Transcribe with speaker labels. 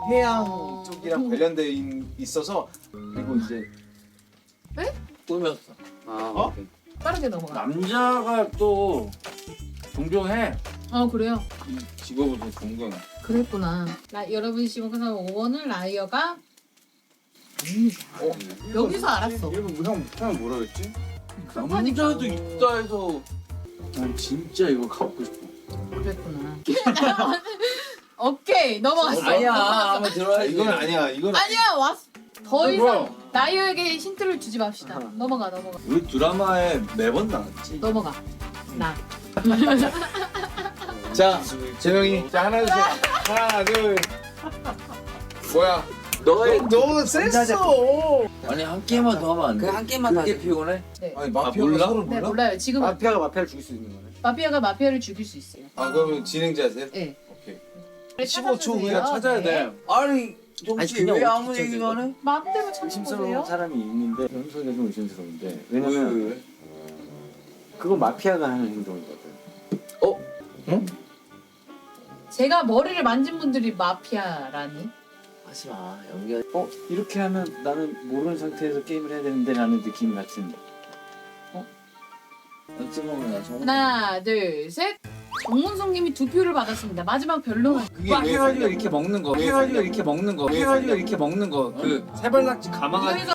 Speaker 1: 해양 쪽이랑 관련돼 있어서 그리고 이제
Speaker 2: 꾸몄어.
Speaker 1: 어?
Speaker 3: 빠르게 넘어가.
Speaker 2: 남자가 또 존경해.
Speaker 3: 그래요?
Speaker 2: 이 직업을 더 존경해.
Speaker 3: 그랬구나. 여러분 시공에서 5번은 라이어가 여기서 알았어.
Speaker 1: 형 뭐라 그랬지?
Speaker 2: 남자도 있다 해서 난 진짜 이거 갖고 싶어.
Speaker 3: 그랬구나. 오케이 넘어갔어.
Speaker 2: 아니야.
Speaker 3: 넘어갔어.
Speaker 2: 한번 들어야지.
Speaker 1: 이건 아니야. 이건
Speaker 3: 아니야 왔어. 더 이상
Speaker 2: 뭐야?
Speaker 3: 라이어에게 힌트를 주지 맙시다. 넘어가.
Speaker 2: 우리 드라마에 매번 나왔지.
Speaker 3: 넘어가. 나.
Speaker 1: 자 재명이 자 하나 둘 셋. 하나 둘 뭐야?
Speaker 2: 너의
Speaker 1: 너무 셌어.
Speaker 2: 아니 한 게임만 더 하면 안 돼?
Speaker 4: 그 한 게임만 더
Speaker 2: 그게
Speaker 4: 하자.
Speaker 2: 피곤해?
Speaker 1: 아니
Speaker 2: 몰라?
Speaker 1: 마피아가 서로
Speaker 3: 네
Speaker 1: 몰라?
Speaker 3: 몰라요. 지금
Speaker 4: 마피아가 마피아를 죽일 수 있는 거네.
Speaker 3: 마피아가 마피아를 죽일 수 있어요.
Speaker 1: 아 그러면 진행자세요?
Speaker 3: 네.
Speaker 1: 오케이.
Speaker 3: 15초
Speaker 1: 후에
Speaker 2: 찾아야 돼.
Speaker 4: 아니
Speaker 2: 정치
Speaker 4: 그냥
Speaker 2: 왜 아무
Speaker 4: 어떻게
Speaker 2: 얘기만 해?
Speaker 3: 마음대로 찾는
Speaker 5: 의심스러운
Speaker 3: 거세요?
Speaker 5: 사람이 있는데 현석이 좀 의심스러운데
Speaker 1: 왜?
Speaker 5: 왜냐면 그거 마피아가 하는 행동이거든.
Speaker 3: 제가 머리를 만진 분들이 마피아라니?
Speaker 2: 하지 마. 연기하.
Speaker 5: 이렇게 하면 나는 모르는 상태에서 게임을 해야 되는데 라는 느낌 같은.
Speaker 2: 연습하면 나 정말.
Speaker 3: 하나 둘 셋. 정문성님이 2표를 받았습니다. 마지막 변론은
Speaker 1: 그게 왜
Speaker 2: 해가지고 이렇게 먹는 거. 해가지고 이렇게 먹는 거. 해가지고 이렇게 먹는 거. 그 세발낙지 감아가지고.